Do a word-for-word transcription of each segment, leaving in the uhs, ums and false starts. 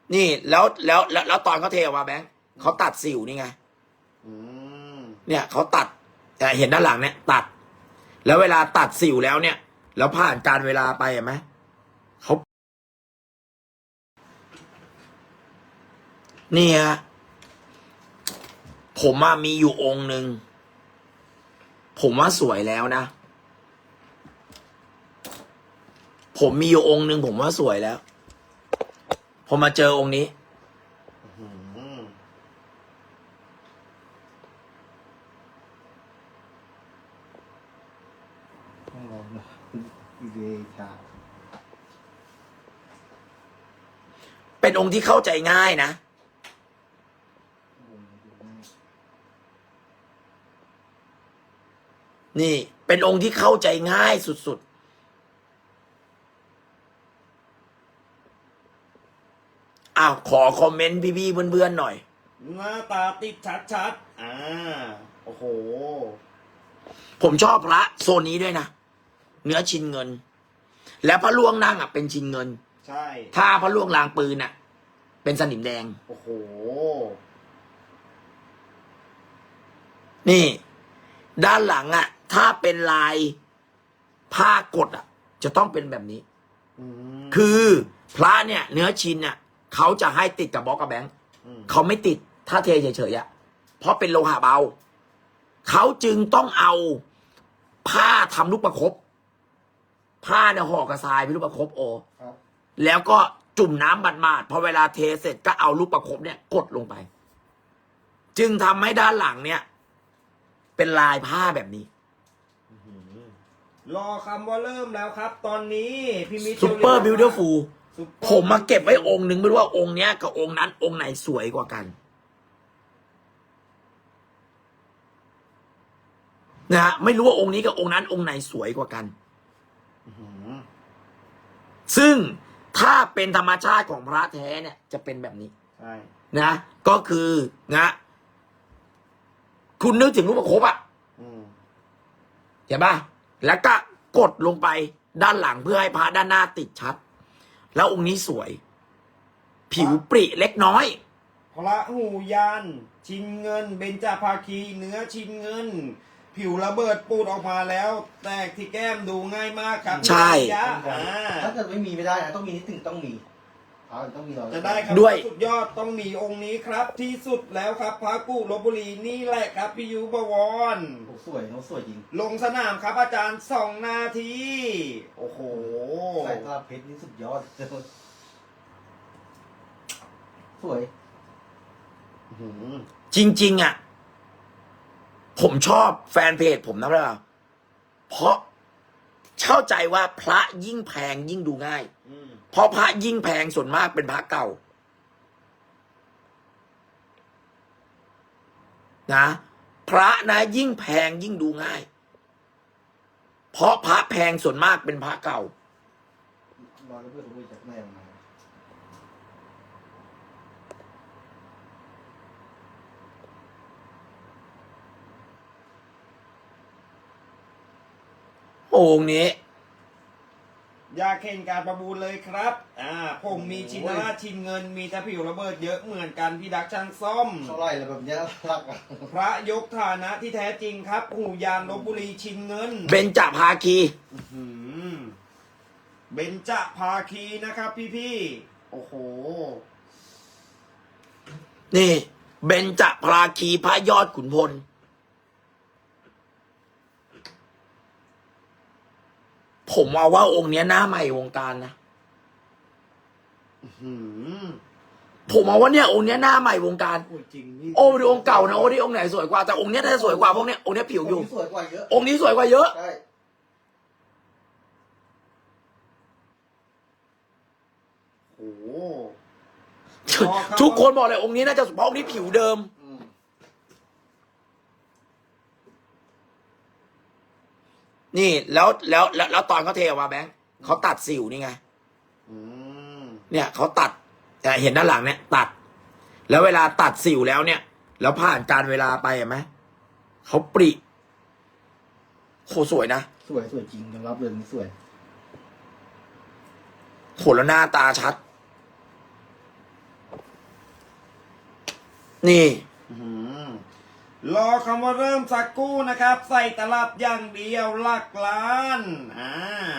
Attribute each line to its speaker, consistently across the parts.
Speaker 1: นี่แล้วแล้วแล้วแล้วตอนเขาเทออกมาแบงค์เขาตัดสิวนี่ไง
Speaker 2: อืม
Speaker 1: เนี่ยเขาตัด แต่เห็นด้านหลังเนี่ย ตัด แล้วเวลาตัดสิวแล้วเนี่ย แล้วผ่านการเวลาไปเห็นไหมเขาเนี่ย ผมว่ามีอยู่องค์หนึ่งผมว่าสวยแล้วนะ ผมมีอยู่องค์หนึ่งผมว่าสวยแล้วพอมาเจอองค์นี้
Speaker 2: อืมต้องลองนะอีเดชา
Speaker 1: เป็นองค์ที่เข้าใจง่ายนะ นี่เป็นองค์ที่เข้าใจง่ายสุดๆอ้าวขอคอมเมนต์พี่ๆเพื่อนๆหน่อย
Speaker 2: หน้าตาติดชัดๆอ่าโอ้โห
Speaker 1: ผมชอบพระโซนนี้ด้วยนะ เนื้อชินเงิน และพระล่วงนั่งอ่ะเป็นชินเงิน
Speaker 2: ใช่
Speaker 1: ถ้าพระล่วงลางปืนอ่ะ เป็นสนิมแดง
Speaker 2: โอ้โห
Speaker 1: นี่ ด้านหลังอ่ะ ถ้าเป็นลายผ้ากดอ่ะ จะต้องเป็นแบบนี้
Speaker 2: อืม
Speaker 1: คือพระเนี่ย เนื้อชินอ่ะเขาจะให้ติดกับบล็อกกับแบงค์
Speaker 2: ม
Speaker 1: เขาไม่ติดถ้าเทเฉยๆอ่ะเพราะเป็นโลหะเบาเขาจึงต้องเอาผ้าทำลูกประคบผ้าเนี่ยห่อกระทรายเป็นลูกประคบโอ
Speaker 2: ครับ
Speaker 1: แล้วก็จุ่มน้ำบัดมาดพอเวลาเทเสร็จก็เอาลูกประคบเนี่ยกดลงไป จึงทำให้ด้านหลังเนี่ย เป็นลายผ้าแบบนี้
Speaker 2: รอคำว่าเริ่มแล้วครับ ตอนนี้พี่มิตร
Speaker 1: ซูเปอร์บิวตี้ฟูล
Speaker 2: ซุปเปอร์
Speaker 1: ผมมาเก็บไว้องค์หนึ่งไม่รู้ว่าองค์เนี้ยกับองค์นั้นองค์ไหนสวยกว่ากันนะฮะไม่รู้ว่าองค์นี้กับองค์นั้นองค์ไหนสวยกว่ากัน
Speaker 2: อื้อหือ
Speaker 1: ซึ่งถ้าเป็นธรรมชาติของพระแท้เนี่ยจะเป็นแบบนี้
Speaker 2: ใช่
Speaker 1: นะก็คือนะคุณนึกถึงรูปประคบอ่ะ
Speaker 2: อืม
Speaker 1: เห็นป่ะแล้วก็กดลงไปด้านหลังเพื่อให้พระด้านหน้าติดชัด แล้วองค์นี้สวย ผิวปริเล็กน้อย
Speaker 2: พระหูยานชินเงินเบญจภาคีเนื้อชินเงิน ผิวระเบิดปูดออกมาแล้ว แตกที่แก้มดูง่ายมากครับ
Speaker 1: ใช่
Speaker 2: พี่ยะอ่า
Speaker 3: ถ้าเกิดไม่มีไม่ได้นะต้องมีนิดหนึ่งต้องมีเอาต้องมีเรา
Speaker 2: จะได้ครับ
Speaker 1: ด้วย
Speaker 2: สุดยอดต้องมีองค์นี้ครับ ที่สุดแล้วครับพระกุลพบุรีนี่แหละครับพี่ยุบวร
Speaker 3: โอ้สวยน้องสวยจริง
Speaker 2: ลงสนามครับอาจารย์สองนาที โอ้โห
Speaker 3: ใส่ตลับเพชรนี่สุดยอด สวย
Speaker 2: อื้อหือ
Speaker 1: จริงๆอ่ะผมชอบแฟนเพจผมนะเปล่าเพราะเข้าใจว่าพระยิ่งแพงยิ่งดูง่าย
Speaker 2: อืม
Speaker 1: เพราะพระยิ่งแพงส่วนมากเป็นพระเก่านะพระนะยิ่งแพงยิ่งดูง่าย เพราะพระแพงส่วนมากเป็นพระเก่า
Speaker 3: รอแล้วเพื่อนรู้จากแม่มา
Speaker 1: องค์นี้
Speaker 2: อยากเห็นการประมูลเลยครับ อ่า ผมมีชินราชชินเงิน มีแต่ผิวระเบิดเยอะเหมือนกันพี่ดักช่างซ่อม
Speaker 3: เท่าไหร่แล้วแบบเนี้ยรักอ่ะ
Speaker 2: พระยกฐานะที่แท้จริงครับ หูยานลพบุรีชินเงิน
Speaker 1: เบญจภาคี
Speaker 2: อื้อหือเบญจภาคีนะครับพี่พี่ๆโอ้โห
Speaker 1: นี่เบญจภาคีพระยอดขุนพลผมเอาว่าองค์เนี้ยหน้าใหม่วงการนะ
Speaker 2: อื้อหือ
Speaker 1: ผมเอาว่าเนี่ยองค์เนี้ยหน้าใหม่วงการ
Speaker 2: โอ้ยจริงนี่
Speaker 1: โอ้ดูองค์เก่านะโอ้ดิองค์ไหนสวยกว่าแต่องค์เนี้ยน่าจะสวยกว่าพวกเนี้ยองค์เนี้ยผิวอยู่
Speaker 3: สวยกว่าเยอะ
Speaker 1: องค์นี้สวยกว่าเยอะ
Speaker 3: ใช่
Speaker 2: โอ้โห
Speaker 1: ทุกคนบอกเลยองค์นี้น่าจะเพราะองค์นี้ผิวเดิม
Speaker 3: อืม
Speaker 1: นี่แล้วแล้วแล้วแล้วตอนเขาเทออกมาแบงค์เขาตัดสิวนี่ไง
Speaker 2: อืม
Speaker 1: เนี่ยเขาตัดแต่เห็นด้านหลังเนี่ย ตัด แล้วเวลาตัดสิวแล้วเนี่ย แล้วผ่านการเวลาไปเห็นไหมเขาปริโคสวยนะ
Speaker 3: สวยสวยจริงยอมรับเลยนี่สวย
Speaker 1: โหแล้วหน้าตาชัดนี่
Speaker 2: อื้อหือรอคำว่าเริ่มสักกู้นะครับ ใส่ตลับอย่างเดียวหลักล้านอ่า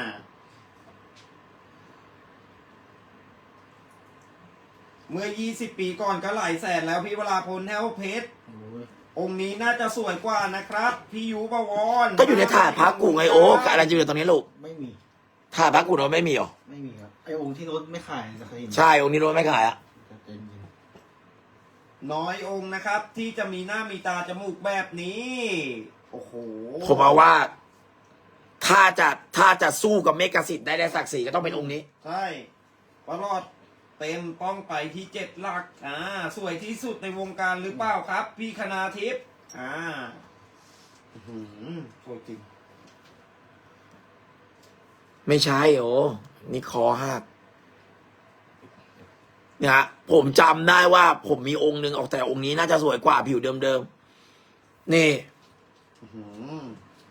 Speaker 2: เมื่อ ยี่สิบ ปีก่อนก็หลายแสนแล้วพี่วราพลแถวเพชร
Speaker 3: โอ้ย
Speaker 2: องค์นี้น่าจะสวยกว่านะครับ พี่ยูบวร
Speaker 1: ก็อยู่ในถาดพระกูไงโอ้กับอะไรจะอยู่ตรงนี้ลูก
Speaker 3: ไม่มี
Speaker 1: ถาดพระกูเราไม่มีหรอ
Speaker 3: ไม่มีครับ ไอองค์ที่รถไม่ขายจะเคยเห็น
Speaker 1: ใช่องค์นี้รถไม่ขายอะ
Speaker 3: จะเต็มจริง
Speaker 2: น้อยองค์นะครับ ที่จะมีหน้ามีตาจมูกแบบนี้ โอ้โห
Speaker 1: ผมเอาว่า ถ้าจะถ้าจะสู้กับเมกะสิทธิ์ได้ได้ศักดิ์ศรีก็ต้องเป็นองค์นี้
Speaker 2: ใช่ปลอดเต็มต้องไปที่เจ็ดหลักอ่าสวยที่สุดในวงการหรือเปล่าครับ พี่คณาทิพย์อ่าอื้อหือสวยจริง
Speaker 1: ไม่ใช่โอ้นี่คอหักเนี่ยฮะผมจำได้ว่า ผมมีองค์หนึ่งออกแต่องค์นี้น่าจะสวยกว่าผิวเดิมๆนี่
Speaker 2: อื้อหือ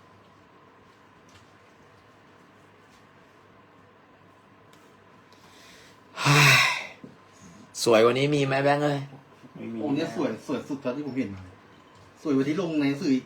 Speaker 1: สวยกว่านี้มีไหมแบงค์เลย
Speaker 2: ไม่มี
Speaker 3: องค์เนี้ยสวยสวยสุดเท่าที่ผมเห็นมา สวยกว่าที่ลงในหนังสื่ออีก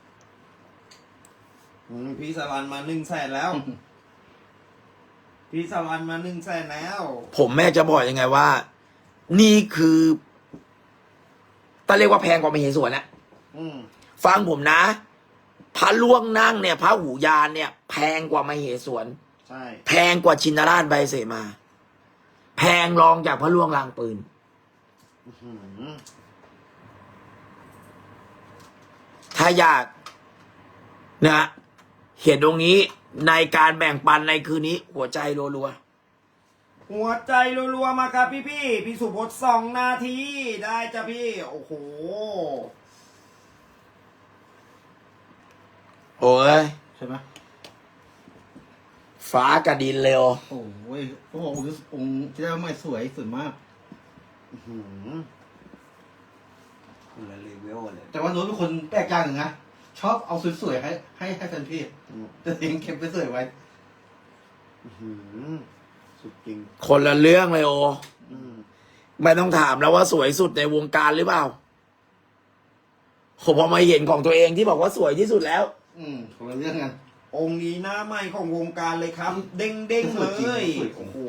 Speaker 2: อืมพี่สรันมาหนึ่งแสนแล้ว พี่สรันมาหนึ่งแสนแล้ว
Speaker 1: ผมแม่จะบอกยังไงว่า นี่คือต้องเรียกว่าแพงกว่ามเหสวนนะ
Speaker 2: อืม
Speaker 1: ฟังผมนะพระล่วงนั่งเนี่ยพระหูยานเนี่ย แพงกว่ามเหสวน
Speaker 2: ใช่
Speaker 1: แพงกว่าชินราชใบเสมา แพงรองจากพระล่วงลางปืน
Speaker 2: อื้อหือ
Speaker 1: ถ้าอยากนะเห็นตรงนี้ในการแบ่งปันในคืนนี้ หัวใจรัว
Speaker 2: หัวใจรัวๆมาครับพี่พี่ๆพี่สุพจน์สองนาทีได้จ้ะพี่ โอ้โห
Speaker 1: ๆโอ้ย
Speaker 3: ใช่ไหม
Speaker 1: ฟ้ากับดินเร็ว
Speaker 3: โอ้ยเขาบอกองค์นี้องค์ที่ได้มาใหม่สวยสวยมาก
Speaker 2: อื้อหือคนละเลเวลเลย
Speaker 3: แต่ว่าโน้ตเป็นคนแปลกอย่างหนึ่งนะ ชอบเอาสวยๆให้ให้ให้แฟนเพจ
Speaker 2: อืม
Speaker 3: แต่เองเก็บไปสวยไว้
Speaker 2: อื้อหือสุดจริง
Speaker 1: คนละเรื่องเลยโอ
Speaker 2: อืม
Speaker 1: ไม่ต้องถามแล้วว่าสวยสุดในวงการหรือเปล่าผมพอมาเห็นของตัวเองที่บอกว่าสวยที่สุดแล้ว
Speaker 3: อืมคนละเรื่องกัน
Speaker 2: องค์นี้หน้าใหม่ของวงการเลยครับ เด้งเด้งๆเลย
Speaker 3: สวยจริง
Speaker 2: โอ้โห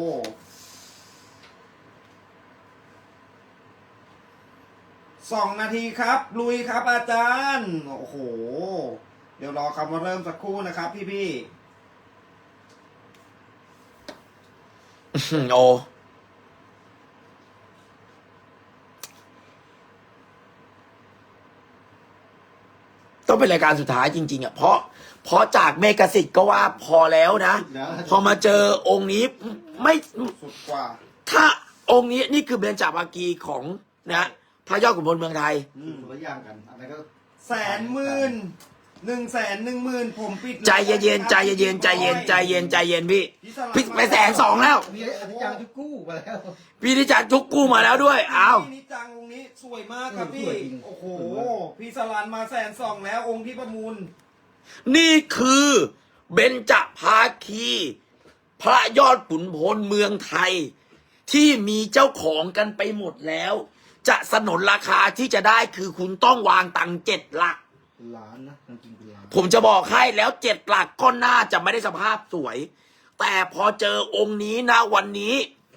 Speaker 2: สองนาทีครับ ลุยครับอาจารย์ โอ้โห เดี๋ยวรอคำว่าเริ่มสักครู่นะครับพี่พี่
Speaker 1: โอต้องเป็นรายการสุดท้ายจริง ๆอ่ะเพราะเพราะจากเมกะสิทธิ์ก็ว่าพอแล้วนะ
Speaker 3: แล้ว
Speaker 1: พอมาเจอองค์นี้ไม่
Speaker 2: ๆสุดกว่า
Speaker 1: ถ้าองค์นี้นี่คือเบญจภาคีของนะพระยอดขุนพลเมืองไทย
Speaker 2: อืม
Speaker 3: คนละอย่างกันอะไรก็
Speaker 2: แสนหมื่นหนึ่งแสนหนึ่งหมื่นผมปิด
Speaker 1: ใจเย็นๆใจเย็นๆใจเย็นใจเย็นใจเย็นพี่
Speaker 2: พี่สลับ
Speaker 1: พี่ไปแสนสองแล้ว
Speaker 3: มีอธิจารย์ทุกกู้มาแล้ว
Speaker 1: พี่ที่จัดจุกกู้มาแล้วด้วยอ้าว
Speaker 2: พี่นิจังองค์นี้สวยมากครับ
Speaker 3: เออ
Speaker 2: พี่
Speaker 3: สวยจริง
Speaker 2: โอ้โห
Speaker 3: สวยมาก
Speaker 2: พี่สลันมาแสนสองแล้วองค์ที่ประมูล
Speaker 1: นี่คือเบญจภาคี พระยอดขุนพลเมืองไทย ที่มีเจ้าของกันไปหมดแล้ว จะสนนราคาที่จะได้คือคุณต้องวางตังค์เจ็ดหลัก
Speaker 3: เป็นล้านนะจริงๆเป็นล้าน
Speaker 1: ผมจะบอกให้แล้วเจ็ดหลักก็น่าจะไม่ได้สภาพสวย แต่พอเจอองค์นี้นะวันนี้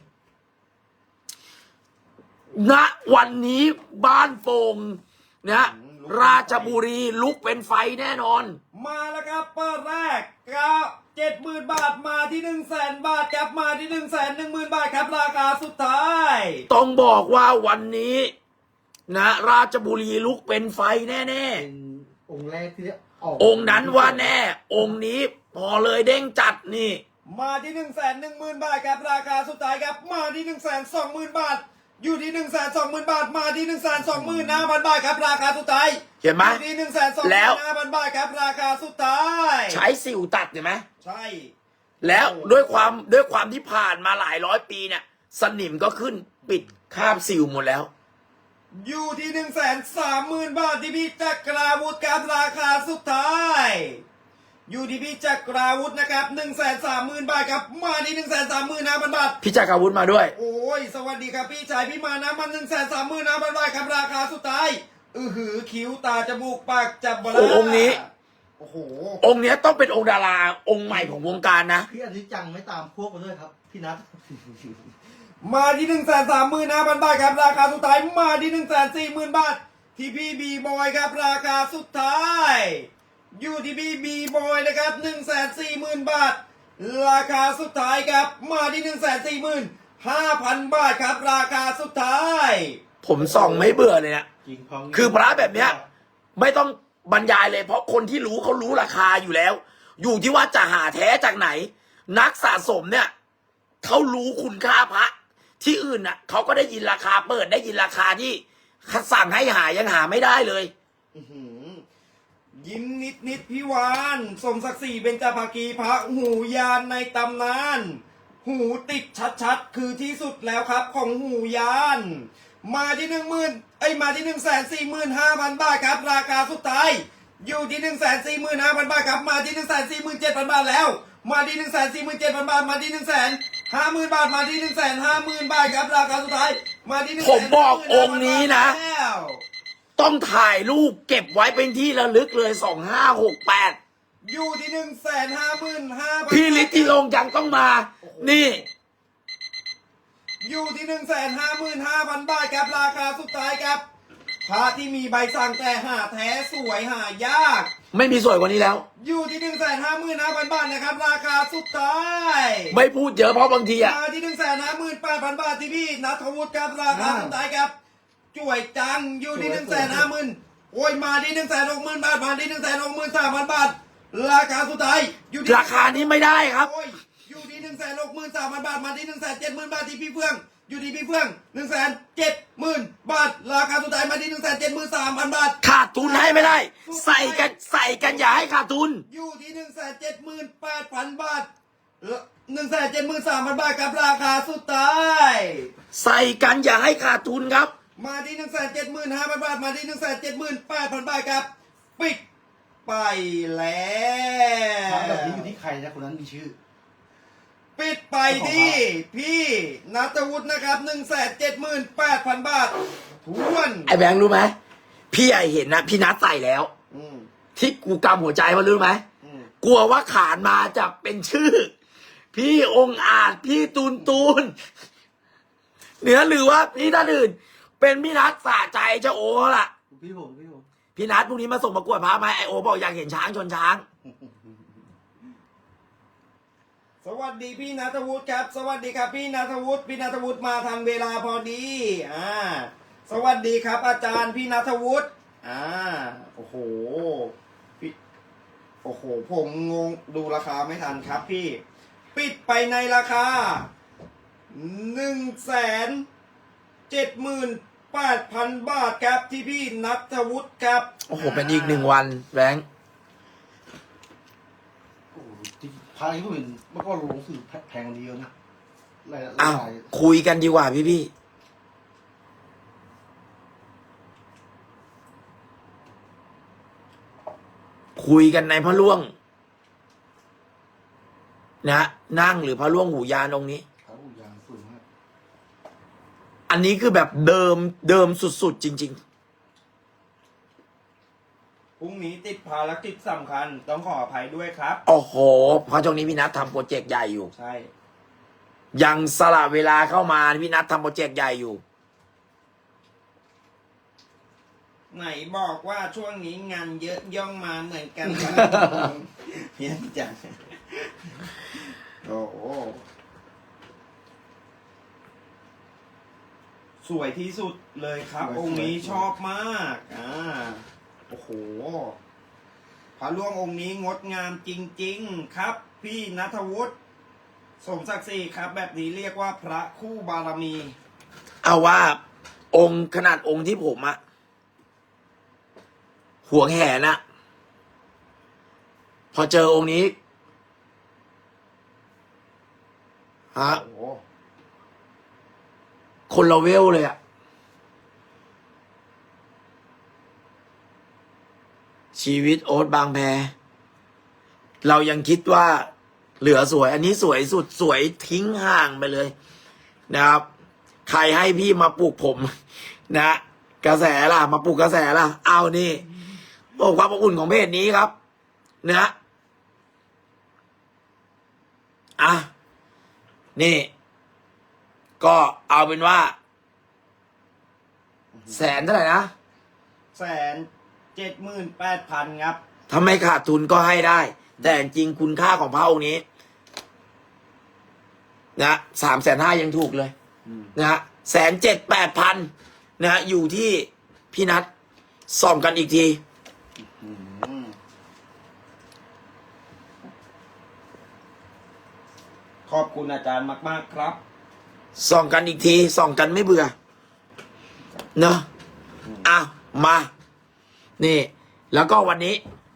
Speaker 1: ณวันนี้บ้านโป่งนะราชบุรีลุกเป็นไฟแน่นอน
Speaker 2: มาแล้วครับเปิดแรกก็เจ็ดหมื่นบาทมาที่หนึ่งแสนบาทครับมาที่หนึ่งแสนหนึ่งหมื่นบาทครับราคาสุดท้าย
Speaker 1: ต้องบอกว่าวันนี้ นะ ราชบุรีลุกเป็นไฟแน่
Speaker 3: เป็นองค์แรกที่ออก
Speaker 1: ๆ องค์นั้นว่าแน่ องค์นี้พอเลยเด้งจัดนี่
Speaker 2: มาที่หนึ่งแสนหนึ่งหมื่นบาทครับราคาสุดท้ายครับมาที่หนึ่งแสนสองหมื่นบาท อยู่ที่หนึ่งแสนสองหมื่นบาทมาที่หนึ่งแสนสองหมื่นห้าพันบาทครับราคาสุดท้าย
Speaker 1: เห็นไหม
Speaker 2: อยู่ที่หนึ่งแสนสองห
Speaker 1: แล้
Speaker 2: มื่
Speaker 1: ว
Speaker 2: นห้าพันบาทครับราคาสุดท้าย
Speaker 1: ใช้สิวตัดเห็นไหม
Speaker 2: ใช่
Speaker 1: แล้วด้วยความด้วยความที่ผ่านมาหลายร้อยปีเนี่ย สนิมก็ขึ้นปิดคราบสิวหมดแล้ว
Speaker 2: อยู่ที่หนึ่งแสนสามหมื่นบาทที่พี่จักราวุธครับราคาสุดท้ายอยู่ที่พี่จักราวุธนะครับหนึ่งแสนสามหมื่นบาทครับมาที่หนึ่งแสนสามหมื่นห้าพันบาท
Speaker 1: พี่จักรวุฒิมาด้วย
Speaker 2: โอ้ยสวัสดีครับพี่ชายพี่มานะมันหนึ่งแสนสามหมื่นห้าพันบาทครับราคาสุดท้ายอือหือคิ้วตาจมูกปากจับบลา
Speaker 1: โอ้องค์นี้
Speaker 2: โอ้โห
Speaker 1: องค์เนี้ยต้องเป็นองค์ดาราองค์ใหม่ของวงการนะ
Speaker 3: พี่อนิจจังไม่ตามพวกมาด้วยครับพี่นัท
Speaker 2: มาที่หนึ่งแสนสามหมื่นห้าพันบาทครับราคาสุดท้ายมาที่หนึ่งแสนสี่หมื่นบาทที่พี่บีบอยครับราคาสุดท้ายอยู่ที่พี่บีบอยนะครับหนึ่งแสนสี่หมื่นบาทราคาสุดท้ายครับมาที่หนึ่งแสนสี่หมื่นห้าพันบาทครับราคาสุดท้าย
Speaker 1: ผมส่องไม่เบื่อเลยนะ
Speaker 3: จริงพอง
Speaker 1: คือพระแบบเนี้ย ไม่ต้องบรรยายเลยเพราะคนที่รู้เขารู้ราคาอยู่แล้ว อยู่ที่ว่าจะหาแท้จากไหน นักสะสมเนี่ยเขารู้คุณค่าพระ ที่อื่นน่ะเขาก็ได้ยินราคาเปิดได้ยินราคาที่สั่งให้หายังหาไม่ได้เลย
Speaker 2: อื้อหือยิ้มนิดนิดพี่วานสมศักดิ์ศรีเบญจภาคีพระหูยานในตำนาน หูติดชัดๆ คือที่สุดแล้วครับของหูยาน มาที่หนึ่งหมื่นไอยมาที่หนึ่งแสนสี่หมื่นห้าพันบาทครับ ราคาสุดท้าย อยู่ที่หนึ่งแสนสี่หมื่นห้าพันบาทครับ มาที่หนึ่งแสนสี่หมื่นเจ็ดพันบาทแล้ว มาที่หนึ่งแสนสี่หมื่นเจ็ดพันบาท มาที่หนึ่งแสนห้าหมื่นบาท มาที่หนึ่งแสนห้าหมื่นบาทครับ ราคาสุดท้าย มาที่หนึ่ง
Speaker 1: ผมบอกองค์นี้นะ ต้องถ่ายรูปเก็บไว้เป็นที่ระลึกเลยสองห้าหกแปด
Speaker 2: อยู่ที่หนึ่งแสนห้าหมื่นห้าพัน
Speaker 1: พี่ฤทธิลงยังต้องมา นี่
Speaker 2: อยู่ที่หนึ่งแสนห้าหมื่นห้าพันบาทครับราคาสุดท้ายครับพระที่มีใบสั่งแต่หาแท้สวยหายาก
Speaker 1: ไม่มีสวยกว่านี้แล้ว
Speaker 2: อยู่ที่หนึ่งแสนห้าหมื่นห้าพันบาทนะครับ ราคาสุดท้าย
Speaker 1: ไม่พูดเยอะเพราะบางทีอะ
Speaker 2: มาที่หนึ่งแสนห้าหมื่นแปดพันบาทที่พี่นัทวุฒิครับราคาสุดท้ายครับจ่วยจังอยู่ที่หนึ่งแสนห้าหมื่นโอ้ยมาที่หนึ่งแสนหกหมื่นบาทมาที่หนึ่งแสนหกหมื่นสามพันบาทราคาสุดท้ายอยู่ที่
Speaker 1: ราคานี้ไม่ได้ครับ
Speaker 2: โอ้ยอยู่ที่หนึ่งแสนหกหมื่นสามพันบาทมาที่หนึ่งแสนเจ็ดหมื่นบาทที่พี่เฟื่องอยู่ที่พี่เฟื่องหนึ่งแสนเจ็ดหมื่นบาทราคาสุดท้ายมาที่หนึ่งแสนเจ็ดหมื่นสามพันบาท
Speaker 1: ขาดทุนให้ไม่ได้ ใส่กันใส่กันอย่าให้ขาดทุน
Speaker 2: อยู่ที่หนึ่งแสนเจ็ดหมื่นแปดพันบาทหนึ่งแสนเจ็ดหมื่นสามพันบาทครับราคาสุดท้าย
Speaker 1: ใส่กันอย่าให้ขาดทุนครับ
Speaker 2: มาที่หนึ่งแสนเจ็ดหมื่นห้าพันบาทมาที่หนึ่งแสนเจ็ดหมื่นแปดพันบาทครับปิดไปแล้
Speaker 3: พระแบบ
Speaker 2: ว
Speaker 3: นี้อยู่ที่ใครนะคนนั้นมีชื่อ
Speaker 2: ปิดไปที่พี่นัทวุฒินะครับหนึ่งแสนเจ็ดหมื่นแปดพันบาททวน
Speaker 1: ไอ้แบงค์รู้ไหมพี่ไอเห็นนะพี่นัดใส่แล้ว
Speaker 2: อืม
Speaker 1: ที่กูกำหัวใจมันรู้ไหม
Speaker 2: อืม
Speaker 1: กลัวว่าขานมาจะเป็นชื่อ พี่องค์อาจพี่ตูนตูนเหนือหรือว่าพี่ท่านอื่น เป็นพี่นัดสะใจเจ้าโอล่ะ
Speaker 3: พี่ผมพี่ผม
Speaker 1: พี่นัดพรุ่งนี้มาส่งประกวดพระไหมไอโอบอกอยากเห็นช้างชนช้าง
Speaker 2: สวัสดีพี่นัทวุฒิครับ สวัสดีครับพี่นัทวุฒิพี่นัทวุฒิมาทันเวลาพอดีอ่าสวัสดีครับ อาจารย์พี่นัทวุฒิอ่าโอ้โหพี่โอ้โหผมงงดูราคาไม่ทันครับพี่ ปิดไปในราคาหนึ่งแสนเจ็ดหมื่นแปดพันบาทครับที่พี่นัทวุฒิครับ
Speaker 1: โอ้โหเป็นอีกหนึ่งวันแบงค์
Speaker 3: โอ้โหที่พระที่ผมเห็นเมื่อก่อนลงสื่อแพงกว่านี้เยอะนะหลายห
Speaker 1: อ้าว
Speaker 3: ลาย
Speaker 1: คุยกันดีกว่าพี่พี่คุยกันในพระล่วง นะนั่งหรือพระล่วงหูยานองค์นี้
Speaker 3: พระอุยานสวยมาก
Speaker 1: อันนี้คือแบบเดิมเดิมสุดๆจริง
Speaker 2: พรุ่งนี้ติดภารกิจสำคัญต้องขออภัยด้วยครับ
Speaker 1: ๆ โอ้โหเพราะช่วงนี้พี่นัททำโปรเจกต์ใหญ่อยู่
Speaker 2: ใช่
Speaker 1: ยังสละเวลาเข้ามาพี่นัททำโปรเจกต์ใหญ่อยู่
Speaker 2: ไหนบอกว่าช่วงนี้งานเยอะย่องมาเหมือนกัน เพี้ยนจังโอ้โหสวยที่สุดเลยครับ องค์นี้ชอบมากอ่าโอ้โหพระล่วงองค์นี้งดงามจริงๆครับ พี่ณัฐวุฒิสมศักดิ์ศรีครับ แบบนี้เรียกว่าพระคู่บารมี
Speaker 1: เอาว่าองค์ขนาดองค์ที่ผมอะห่วงแหนอะพอเจอองค์นี้ฮะ
Speaker 2: โอ้โห
Speaker 1: คนละเวลเลยอะชีวิตโอ๊ตบางแพเรายังคิดว่าเหลือสวย อันนี้สวยสุดสวยทิ้งห่างไปเลยนะครับ ใครให้พี่มาปลูกผม นะ กระแสล่ะ มาปลูกกระแสล่ะ เอานี่โอ้ความอบอุ่นของเพจนี้ครับ นะ อ่ะ นี่ ก็เอาเป็นว่า แสนเท่าไหร่นะ
Speaker 2: แสนเจ็ดหมื่นแปดพันครับ
Speaker 1: ถ้าไม่ขาดทุนก็ให้ได้ แต่จริงคุณค่าของพระองค์นี้ นะสามแสนห้ายังถูกเลย
Speaker 3: อืม
Speaker 1: นะฮะแสนเจ็ดแปดพันนะฮะอยู่ที่พี่นัทส่องกันอีกที
Speaker 3: อืม
Speaker 2: ขอบคุณอาจารย์มากๆครับ
Speaker 1: ส่องกันอีกทีส่องกันไม่เบื่อเนอะอ่ะมา นี่ แล้วก็วันนี้